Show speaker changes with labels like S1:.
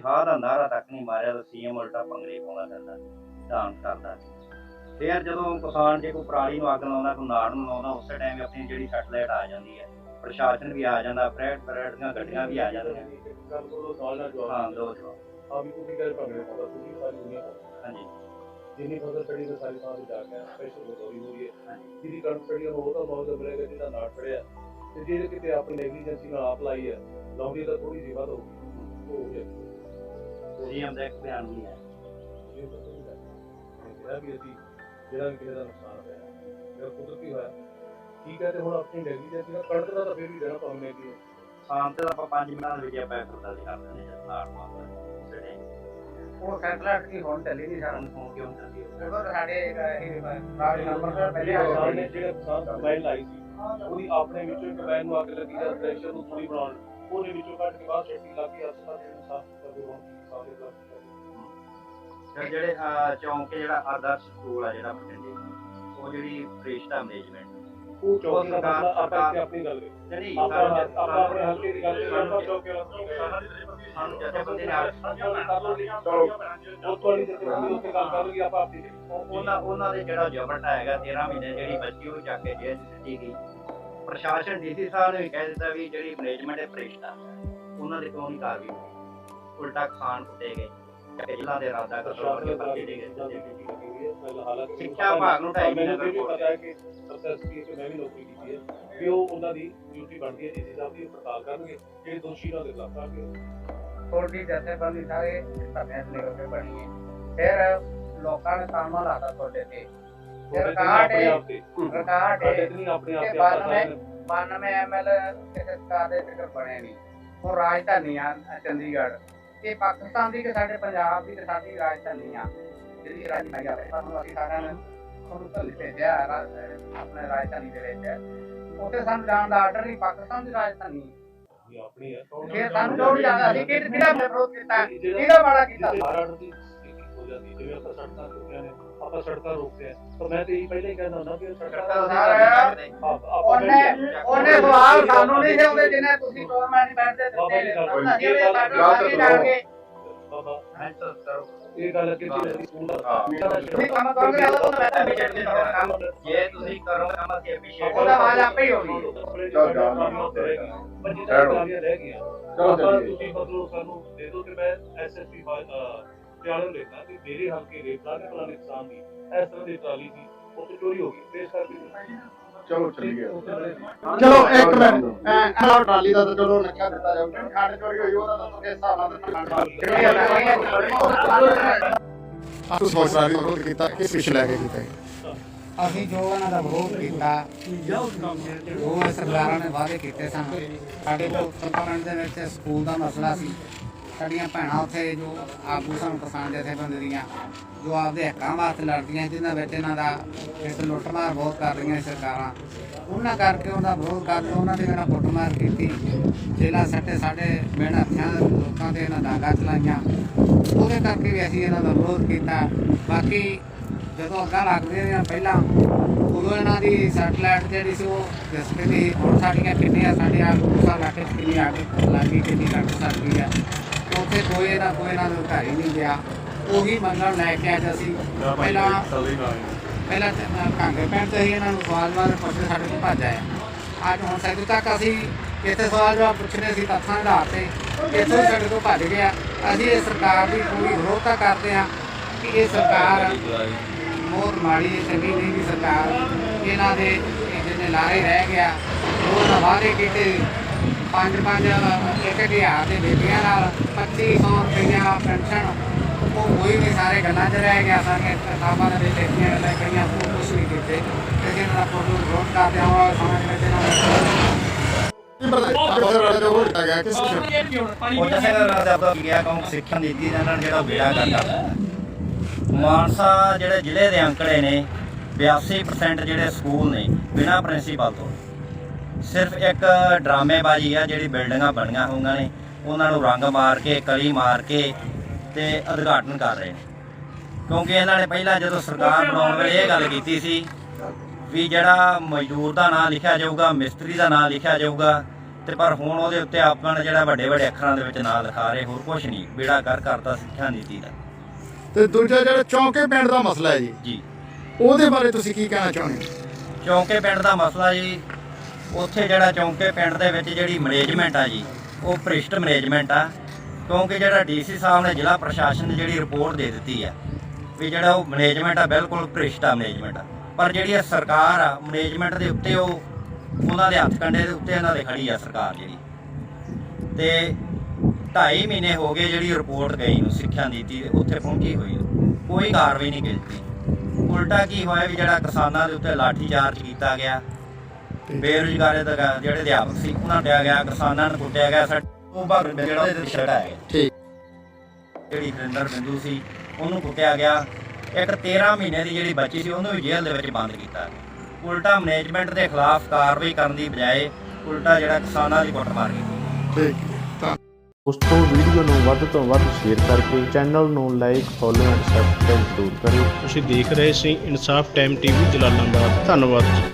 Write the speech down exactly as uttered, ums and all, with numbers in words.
S1: ਤਨਖਾਹ ਦਾ ਨਾਰਾ ਤੱਕ ਨਹੀਂ ਮਾਰਿਆ ਤਾਂ ਸੀਐਮ ਉਲਟਾ ਪੰਗੜੇ ਪਾਉਂਦਾ ਫਿਰਦਾ, ਡਾਂਸ ਕਰਦਾ। ਫਿਰ ਜਦੋਂ ਕਿਸਾਨ ਜੇ ਕੋਈ ਪਰਾਲੀ ਨੂੰ ਅੱਗ ਲਾਉਂਦਾ, ਕੋਈ ਨਾੜ ਨੂੰ ਲਾਉਂਦਾ, ਉਸੇ ਟਾਈਮ ਆਪਣੀ ਜਿਹੜੀ ਸੈਟਲਾਈਟ ਆ ਜਾਂਦੀ ਹੈ, ਪ੍ਰਸ਼ਾਸਨ ਵੀ ਆ ਜਾਂਦਾ, ਫਰੈਟ ਫਰੈਟ ਦੀਆਂ ਗੱਡੀਆਂ ਵੀ ਆ ਜਾਂਦੀਆਂ। ਹਾਂ ਦੋ ਜਵਾਬ
S2: ਆ ਵੀ ਤੁਸੀਂ ਗੱਲ ਭੰਗੜੇ ਪਾਉਂਦਾ ਤੁਸੀਂ ਸਾਰੀ ਦੁਨੀਆ
S1: ਹਾਂਜੀ
S2: ਜਿੰਨੀ ਫਸਲ ਚੜੀ ਤਾਂ ਸਾਰੀ ਥਾਂ ਤੇ ਜਾ ਕੇ ਸਪੈਸ਼ਲ ਗੋਰੀ ਹੋ ਰਹੀ ਹੈ। ਜਿਹਦੀ ਕਣਕ ਚੜੀ ਉਹ ਤਾਂ ਬਹੁਤ ਮਿਲੇਗਾ, ਜਿਹਦਾ ਨਾੜ ਚੜਿਆ ਤੇ ਜਿਹੜੇ ਕਿਤੇ ਆਪਣੀ ਨੈਗਲੀਜੈਂਸੀ ਨਾਲ ਆਪ ਲਾਈ ਹੈ, ਲਾਉਂਦੀ ਤਾਂ ਥੋੜੀ ਜਿਹੀ ਵੱਧ ਹੋਊਗੀ।
S1: ਸੀਐਮ ਦਾ ਇੱਕ ਬਿਆਨ ਵੀ ਹੈ
S2: ਜਿਹੜਾ ਵੀ ਅਸੀਂ ਜਿਹੜਾ ਵੀ ਕਿਸੇ ਦਾ ਨੁਕਸਾਨ ਹੋਇਆ ਜਿਹੜਾ ਕੁਦਰਤੀ ਹੋਇਆ ਠੀਕ ਹੈ, ਤੇ ਹੁਣ ਆਪਣੀ ਨੈਗਲੀਜੈਂਸੀ ਨਾਲ ਕਣਕ ਦਾ ਤਾਂ ਫਿਰ ਵੀ ਦੇਣਾ ਪਾਉਂਦੇ ਕਿ
S1: ਸ਼ਾਮ ਤੇ ਆਪਾਂ ਪੰਜ ਮਿੰਟਾਂ ਦੇ ਵਿੱਚ ਆਪਾਂ ਕਰਦਾ ਸੀ ਕਰਦੇ ਨੇ ਜਦ ਨਾੜ ਮਾਰਦਾ
S3: ਉਹ ਸੈਟਲਾਈਟ ਦੀ ਹੁਣ ਚੱਲੀ ਨਹੀਂ ਸਰ,
S1: ਹੁਣ ਕਿਉਂ ਚੱਲਦੀ
S3: ਉਹ ਤਾਂ ਸਾਡੇ ਇਹ ਰਾਜ ਨੰਬਰ ਤੋਂ ਪਹਿਲੇ ਆ
S2: ਕਿਸਾਨ
S3: ਜਾਂਦੇ
S2: ਨੇ ਜਿਹੜੇ ਕਿਸਾਨ ਕੰਬਾਈਨ ਲਾਈ ਸੀ ਉਹਦੀ ਆਪਣੇ ਵਿੱਚੋਂ ਕੰਬਾਈਨ ਨੂੰ ਅੱਗ ਲੱਗੀ ਜਾਂ ਪ੍ਰੈਸ਼ਰ ਨੂੰ ਥੋੜੀ ਬਣਾਉਣ ਉਹਦੇ ਵਿੱਚੋਂ ਕੱਢ ਕੇ ਬਾਹਰ ਛੱਡੀ ਲਾ ਕੇ ਹਸਪਤਾਲ ਨੂੰ ਸਾਫ਼ ਕਰਦੇ ਹੋਣ ਕਿਸਾਨ ਦੇ ਖਿਲਾਫ
S1: ਜਿਹੜੇ ਚੌਂਕੇ ਜਿਹੜਾ ਆਦਰਸ਼ ਸਕੂਲ ਆ ਜਿਹੜਾ ਬਠਿੰਡੇ, ਉਹ ਜਿਹੜੀ ਫਰੇਸ਼ਤਾ ਮੈਨੇਜਮੈਂਟ
S2: ਉਹ ਚੌਕੀ ਦਾ ਮਸਲਾ ਆਪਾਂ ਇੱਥੇ ਆਪਣੀ ਗੱਲ ਕਰੀਏ
S1: ਨਹੀਂ
S2: ਆਪਾਂ ਆਪਾਂ ਆਪਣੇ ਹਲਕੇ ਦੀ ਗੱਲ ਕਰੀਏ ਆਪਾਂ ਚੌਕੀ ਵਾਲਾ
S1: ਸਾਨੂੰ ਜਥੇਬੰਦੀ ਨਾਲ
S2: ਚਲੋ ਉਹ ਤੁਹਾਡੀ ਜਥੇਬੰਦੀ ਉੱਤੇ ਗੱਲ ਕਰੂਗੀ ਆਪਾਂ ਆਪਣੀ
S1: ਉਹਨਾਂ ਉਹਨਾਂ ਦੇ ਜਿਹੜਾ ਜਬਰਟ ਹੈਗਾ ਤੇਰਾਂ ਮਹੀਨੇ ਜਿਹੜੀ ਬੱਚੀ ਉਹ ਚੱਕ ਕੇ ਜੇਲ੍ਹ ਦਿੱਤੀ ਗਈ। ਪ੍ਰਸ਼ਾਸਨ ਡੀਸੀ ਸਾਹਿਬ ਨੇ ਵੀ ਕਹਿ ਦਿੱਤਾ ਵੀ ਜਿਹੜੀ ਮੈਨੇਜਮੈਂਟ ਹੈ ਫਰੇਸ਼ਤਾ ਉਹਨਾਂ ਦੇ ਕਿਉਂ ਨਹੀਂ ਕਾਰਵਾਈ ਹੋਈ, ਉਲਟਾ ਖਾਨ ਕੁੱਟੇ ਗਏ, ਜ਼ਿਲ੍ਹਾ ਦੇ ਇਰਾਦਾ ਕਤਲ ਕਰਕੇ ਪਰਚੇ ਦੇ ਗਏ। ਸਿੱਖਿਆ ਵਿਭਾਗ ਨੂੰ ਢਾਈ ਮਹੀਨੇ ਦਾ
S2: ਪਤਾ ਹੈ ਕਿ ਸਰਕਾਰੀ ਤੇ ਮੈਂ ਵੀ ਨੌਕਰੀ ਕੀਤੀ ਹੈ ਵੀ ਉਹ ਉਹਨਾਂ ਦੀ ਡਿਊਟੀ ਬਣਦੀ ਹੈ ਡੀਸੀ ਸਾਹਿਬ ਦੀ ਪੜਤਾਲ ਕਰਨਗੇ ਜਿਹੜੇ ਦੋਸ਼ੀ ਉਹਨਾਂ ਦੇ ਖਿਲਾਫ ਕਾਰਵਾਈ
S3: ਥੋੜੀ ਜਥੇਬੰਦੀ ਸਾਰੇ ਧਰਨੇ ਤੇ ਨਿਕਲ ਕੇ ਬਣੀ ਹੈ। ਫਿਰ ਲੋਕਾਂ ਨੇ ਕੰਮ ਲਾਤਾ ਤੁਹਾਡੇ ਤੇ ਰਿਕਾਰਡ ਹੈ ਰਿਕਾਰਡ ਹੈ
S2: ਆਪਣੇ ਆਪ ਤੇ
S3: ਬਾਨਵੇਂ ਐਮਐਲ ਕਿਸੇ ਸਰਕਾਰ ਦੇ ਟਿਕਟ ਬਣੇ ਨਹੀਂ। ਉਹ ਰਾਜਧਾਨੀ ਆ ਚੰਡੀਗੜ੍ਹ, ਇਹ ਪਾਕਿਸਤਾਨ ਦੀ ਕਿ ਸਾਡੇ ਪੰਜਾਬ ਦੀ ਤੇ ਸਾਡੀ ਰਾਜਧਾਨੀ ਆ ਜਿਹੜੀ ਰਾਜਧਾਨੀ ਆ ਸਾਨੂੰ ਅਸੀਂ ਸਾਰਿਆਂ ਨੇ ਉਹਨੂੰ ਧੱਲੇ ਭੇਜਿਆ ਆਪਣੇ ਰਾਜਧਾਨੀ ਦੇ ਵਿੱਚ। ਉੱਥੇ ਸਾਨੂੰ ਜਾਣ ਦਾ ਆਰਡਰ ਨਹੀਂ, ਪਾਕਿਸਤਾਨ ਦੀ ਰਾਜਧਾਨੀ
S2: ਆਪਣੀ ਹੈ
S3: ਜੇ ਸਾਨੂੰ ਲੋੜ ਜ਼ਿਆਦਾ ਸੀ ਕਿ ਕਿਹੜਾ ਵਿਰੋਧ ਕੀਤਾ, ਕਿਹੜਾ ਮਾੜਾ ਕੀਤਾ।
S2: ਆਰਡਰ ਦੀ ਸਥਿਤੀ ਹੋ ਜਾਂਦੀ ਜਿਵੇਂ ਆਪਾਂ ਸੜਕਾਂ ਰੋਕਦੇ ਨੇ, ਆਪਾਂ ਸੜਕਾਂ ਰੋਕਦੇ ਆ ਪਰ ਮੈਂ ਤੇ ਇਹੀ ਪਹਿਲਾਂ ਹੀ ਕਹਿੰਦਾ ਹੁੰਦਾ ਕਿ ਸੜਕਾਂ
S3: ਉਹਨੇ ਉਹਨੇ ਸਵਾਲ ਸਾਨੂੰ ਨਹੀਂ ਦੇਉਂਦੇ ਜਿਹਨੇ ਤੁਸੀਂ ਗਵਰਨਮੈਂਟ ਬੈਠਦੇ ਦਿੱਤੇ ਅਸੀਂ ਉਹਦੇ ਬਾਰੇ ਜਾਣਗੇ
S2: ਬਾਬਾ ਇਹ ਗੱਲ ਕਿ ਜਿਹੜੀ ਸਕੂਲ ਦਾ
S3: ਤੁਸੀਂ ਕੰਮ ਕਰੋਗੇ ਉਹ ਤਾਂ ਮੈਂ ਬਜਟ ਦੇ ਕੰਮ
S1: ਜੇ ਤੁਸੀਂ ਕਰੋਗੇ ਕੰਮ ਅਸੀਂ ਐਪਰੀਸ਼ੀਏਟ
S3: ਉਹਦਾ ਆਵਾਜ਼ ਆਪੇ ਹੀ ਹੋਣੀ।
S2: ਚਲੋ ਬੱਚੇ ਤਾਂ ਰਹਿ ਗਈਆਂ ਚਲੋ ਤੁਸੀਂ ਮਤਲਬ ਸਾਨੂੰ ਦੇ ਦਿਓ ਕਿ ਮੈਂ ਐਸਐਸਪੀ ਪਿਆਲੇ ਲੈਣਾ ਕਿ ਮੇਰੇ ਹਲਕੇ ਦੇ ਪਲਾਨੇ ਪਲਾਨੇ ਕਿਸਾਨ ਦੀ ਇਸ ਤਰ੍ਹਾਂ ਦੀ ਟਰਾਲੀ ਸੀ ਉੱਥੇ ਚੋਰੀ ਹੋ ਗਈ ਪੇਸ਼ ਕਰਕੇ
S4: ਚਲੋ ਚੱਲੀਏ। ਚਲੋ ਇੱਕ ਮਿੰਟ ਐ ਟਰਾਲੀ ਦਾ ਤਾਂ ਚਲੋ ਨੱਕਾ ਦਿੱਤਾ ਜਾਊਗਾ, ਖੰਡ ਚੋਰੀ ਹੋਈ ਉਹਦਾ ਤਾਂ ਕਿਸ ਹਿਸਾਬ ਨਾਲ ਆਪ ਸੋਚ ਰਹੀ ਵਿਰੋਧ ਕੀਤਾ ਕਿ ਪਿਛ ਲੈ ਕੇ ਕੀਤਾ
S3: ਅਸੀਂ ਜੋ ਇਹਨਾਂ ਦਾ ਵਿਰੋਧ ਕੀਤਾ, ਉਹ ਸਰਕਾਰਾਂ ਨੇ ਵਾਅਦੇ ਕੀਤੇ ਸਨ। ਸਾਡੇ ਕੋਲ ਪਿੰਡ ਦੇ ਵਿੱਚ ਸਕੂਲ ਦਾ ਮਸਲਾ ਸੀ, ਸਾਡੀਆਂ ਭੈਣਾਂ ਉੱਥੇ ਜੋ ਆਗੂ ਸਨ ਕਿਸਾਨ ਜਥੇਬੰਦੀ ਦੀਆਂ ਜੋ ਆਪਦੇ ਹੱਕਾਂ ਵਾਸਤੇ ਲੜਦੀਆਂ, ਜਿਹਨਾਂ ਵਿੱਚ ਇਹਨਾਂ ਦਾ ਇਸ ਲੁੱਟਮਾਰ ਬਹੁਤ ਕਰ ਰਹੀਆਂ ਸਰਕਾਰਾਂ, ਉਹਨਾਂ ਕਰਕੇ ਉਹਦਾ ਵਿਰੋਧ ਕਰਦੇ ਉਹਨਾਂ ਦੇ ਨਾਲ ਕੁੱਟਮਾਰ ਕੀਤੀ, ਜੇਲ੍ਹਾਂ ਸੱਟੇ ਸਾਡੇ ਮਿਹਨਤ ਹੱਥਾਂ ਲੋਕਾਂ ਤੇ ਇਹਨਾਂ ਡਾਂਗਾਂ ਚਲਾਈਆਂ। ਉਹਦੇ ਕਰਕੇ ਵੀ ਅਸੀਂ ਇਹਨਾਂ ਦਾ ਵਿਰੋਧ ਕੀਤਾ। ਬਾਕੀ ਜਦੋਂ ਅੱਗਾਂ ਲੱਗਦੀਆਂ ਰਹੀਆਂ ਪਹਿਲਾਂ ਉਦੋਂ ਇਹਨਾਂ ਦੀ ਸੈਟਲਾਈਟ ਜਿਹੜੀ ਸੀ ਉਹ ਦਿਸਦੀ ਨਹੀਂ। ਹੁਣ ਸਾਡੀਆਂ ਕਿੰਨੀਆਂ ਸਾਡੀਆਂ ਗੁੱਸਾ ਇਲਾਕੇ 'ਚ ਕਿੰਨੀ ਅੱਗ ਲੱਗੀ, ਕਿੰਨੀ ਲੱਗ ਸਕਦੀ ਹੈ, ਉੱਥੇ ਕੋਈ ਨਾ ਕੋਈ ਇਹਨਾਂ ਨੂੰ ਘਰ ਹੀ ਨਹੀਂ ਗਿਆ। ਉਹੀ ਮੰਗਣ ਲੈ ਕੇ ਅੱਜ ਅਸੀਂ ਪਹਿਲਾਂ ਪਹਿਲਾਂ ਕਾਂਗੇ ਪਿੰਡ 'ਚ ਹੀ ਇਹਨਾਂ ਨੂੰ ਸਵਾਲ ਜਵਾਬ ਪੁੱਛਦੇ ਸਾਡੇ ਕੋਲ ਭੱਜ ਆਏ। ਅੱਜ ਹੁਣ ਸਾਡੇ ਤੱਕ ਅਸੀਂ ਇੱਥੇ ਸਵਾਲ ਜਵਾਬ ਪੁੱਛਣੇ ਸੀ ਤੱਥਾਂ ਦੇ ਆਧਾਰ 'ਤੇ, ਇੱਥੋਂ ਸਾਡੇ ਤੋਂ ਭੱਜ ਗਿਆ। ਅਸੀਂ ਇਹ ਸਰਕਾਰ ਦੀ ਪੂਰੀ ਵਿਰੋਧਤਾ ਕਰਦੇ ਹਾਂ ਕਿ ਇਹ ਸਰਕਾਰ ਬਹੁਤ ਮਾੜੀ ਚੰਗੀ ਨਹੀਂ ਦੀ ਸਰਕਾਰ। ਇਹਨਾਂ ਦੇ ਜਿਹਨੇ ਲਾਰੇ ਰਹਿ ਗਿਆ ਉਹ ਵਾਅਦੇ ਕੀਤੇ ਪੰਜ ਪੰਜ ਇੱਕ ਹਜ਼ਾਰ ਦੇ ਬੇਟੀਆਂ ਨਾਲ ਪੱਚੀ ਸੌ ਰੁਪਈਆ ਪੈਨਸ਼ਨ, ਉਹ ਕੋਈ ਨਹੀਂ, ਸਾਰੇ ਗੱਲਾਂ 'ਚ ਰਹਿ ਗਿਆ। ਸਾਰੀਆਂ ਕਿਤਾਬਾਂ ਦੇ ਵਿੱਚ ਲਿਖੀਆਂ ਗੱਲਾਂ ਕਈਆਂ ਉਹ ਕੁਛ ਨਹੀਂ ਕੀਤੇ। ਤੇ ਇਹਨਾਂ ਦਾ ਫੋਟੋ ਵਿਰੋਧ ਕਰਦੇ ਹਾਂ ਸਮਝ ਵਿੱਚ ਇਹਨਾਂ
S1: ਸਿੱਖਿਆ ਨੀਤੀ ਦੇ ਨਾਲ ਜਿਹੜਾ ਬੇੜਾ ਕਰਦਾ। ਮਾਨਸਾ ਜਿਹੜੇ ਜ਼ਿਲ੍ਹੇ ਦੇ ਅੰਕੜੇ ਨੇ ਬਿਆਸੀ ਪਰਸੈਂਟ ਜਿਹੜੇ ਸਕੂਲ ਨੇ ਬਿਨਾਂ ਪ੍ਰਿੰਸੀਪਲ ਤੋਂ, ਸਿਰਫ ਇੱਕ ਡਰਾਮੇਬਾਜ਼ੀ ਆ ਜਿਹੜੀ ਬਿਲਡਿੰਗਾਂ ਬਣੀਆਂ ਹੋਈਆਂ ਨੇ ਉਹਨਾਂ ਨੂੰ ਰੰਗ ਮਾਰ ਕੇ ਕਲੀ ਮਾਰ ਕੇ ਤੇ ਉਦਘਾਟਨ ਕਰ ਰਹੇ ਨੇ। ਕਿਉਂਕਿ ਇਹਨਾਂ ਨੇ ਪਹਿਲਾਂ ਜਦੋਂ ਸਰਕਾਰ ਬਣਾਉਣ ਵੇਲੇ ਇਹ ਗੱਲ ਕੀਤੀ ਸੀ ਵੀ ਜਿਹੜਾ ਮਜ਼ਦੂਰ ਦਾ ਨਾਂ ਲਿਖਿਆ ਜਾਊਗਾ, ਮਿਸਤਰੀ ਦਾ ਨਾਂ ਲਿਖਿਆ ਜਾਊਗਾ ਤੇ ਪਰ ਹੁਣ ਉਹਦੇ ਉੱਤੇ ਆਪਾਂ ਨੇ ਜਿਹੜਾ ਵੱਡੇ ਵੱਡੇ ਅੱਖਰਾਂ ਦੇ ਵਿੱਚ ਨਾਂ ਲਿਖਾ ਰਹੇ, ਹੋਰ ਕੁਝ ਨਹੀਂ, ਬੇੜਾ ਕਰ ਕਰਤਾ ਸਿੱਖਿਆ ਨੀਤੀ ਦਾ।
S4: ਤੇ ਦੂਜਾ ਜਿਹੜਾ ਚੌਂਕੇ ਪਿੰਡ ਦਾ ਮਸਲਾ ਹੈ ਜੀ,
S1: ਜੀ
S4: ਉਹਦੇ ਬਾਰੇ ਤੁਸੀਂ ਕੀ ਕਹਿਣਾ ਚਾਹੁੰਦੇ ਹੋ?
S1: ਚੌਂਕੇ ਪਿੰਡ ਦਾ ਮਸਲਾ ਜੀ, ਉੱਥੇ ਜਿਹੜਾ ਚੌਂਕੇ ਪਿੰਡ ਦੇ ਵਿੱਚ ਜਿਹੜੀ ਮੈਨੇਜਮੈਂਟ ਆ ਜੀ, ਉਹ ਭ੍ਰਿਸ਼ਟ ਮੈਨੇਜਮੈਂਟ ਆ। ਕਿਉਂਕਿ ਜਿਹੜਾ ਡੀਸੀ ਸਾਹਿਬ ਨੇ ਜ਼ਿਲ੍ਹਾ ਪ੍ਰਸ਼ਾਸਨ ਨੇ ਜਿਹੜੀ ਰਿਪੋਰਟ ਦੇ ਦਿੱਤੀ ਆ ਵੀ ਜਿਹੜਾ ਉਹ ਮੈਨੇਜਮੈਂਟ ਆ ਬਿਲਕੁਲ ਭ੍ਰਿਸ਼ਟ ਆ ਮੈਨੇਜਮੈਂਟ ਆ, ਪਰ ਜਿਹੜੀ ਇਹ ਸਰਕਾਰ ਆ ਮੈਨੇਜਮੈਂਟ ਦੇ ਉੱਤੇ ਉਹ ਉਹਨਾਂ ਦੇ ਹੱਥ ਕੰਡੇ ਦੇ ਉੱਤੇ ਇਹਨਾਂ ਦੇ ਖੜੀ ਆ ਸਰਕਾਰ ਜਿਹੜੀ। ਤੇ ਢਾਈ ਮਹੀਨੇ ਹੋ ਗਏ ਜਿਹੜੀ ਰਿਪੋਰਟ ਗਈ ਨੂੰ ਸਿੱਖਿਆ ਨੀਤੀ ਦੇ ਉੱਥੇ ਪਹੁੰਚੀ ਹੋਈ ਨੂੰ, ਕੋਈ ਕਾਰਵਾਈ ਨਹੀਂ ਕੀਤੀ। ਉਲਟਾ ਕੀ ਹੋਇਆ ਵੀ ਜਿਹੜਾ ਕਿਸਾਨਾਂ ਦੇ ਉੱਤੇ ਲਾਠੀ ਚਾਰਜ ਕੀਤਾ ਗਿਆ, ਬੇਰੁਜ਼ਗਾਰੀ ਦਾ ਜਿਹੜੇ ਅਧਿਆਪਕ ਸੀ ਉਹਨਾਂ ਨੂੰ ਕੁੱਟਿਆ ਗਿਆ, ਕਿਸਾਨਾਂ ਨੂੰ ਕੁੱਟਿਆ ਗਿਆ, ਸਾਡੇ ਉਹ ਭਾਗ ਜਿਹੜਾ ਉਹਦੇ ਤੇ ਛੜਾ ਹੈ
S4: ਠੀਕ।
S1: ਜਿਹੜੀ ਹਰਿੰਦਰ ਬਿੰਦੂ ਸੀ ਉਹਨੂੰ ਕੁੱਟਿਆ ਗਿਆ। ਇੱਕ ਤੇਰਾਂ ਮਹੀਨੇ ਦੀ ਜਿਹੜੀ ਬੱਚੀ ਸੀ ਉਹਨੂੰ ਵੀ ਜੇਲ੍ਹ ਦੇ ਵਿੱਚ ਬੰਦ ਕੀਤਾ। ਉਲਟਾ ਮੈਨੇਜਮੈਂਟ ਦੇ ਖਿਲਾਫ ਕਾਰਵਾਈ ਕਰਨ ਦੀ ਬਜਾਏ ਉਲਟਾ ਜਿਹੜਾ ਕਿਸਾਨਾਂ ਦੀ ਕੁੱਟਮਾਰ ਕੀਤੀ।
S4: ਠੀਕ ਹੈ।
S5: ਉਸ ਤੋਂ ਵੀਡੀਓ ਨੂੰ ਵੱਧ ਤੋਂ ਵੱਧ ਸ਼ੇਅਰ ਕਰਕੇ ਚੈਨਲ ਨੂੰ ਲਾਈਕ ਫੋਲੋ ਐਂਡ ਸਬਸਕ੍ਰਾਈਬ ਜ਼ਰੂਰ ਕਰਿਓ।
S6: ਤੁਸੀਂ ਦੇਖ ਰਹੇ ਸੀ ਇਨਸਾਫ ਟਾਈਮ ਟੀਵੀ ਜਲਾਲਾਬਾਦ। ਧੰਨਵਾਦ।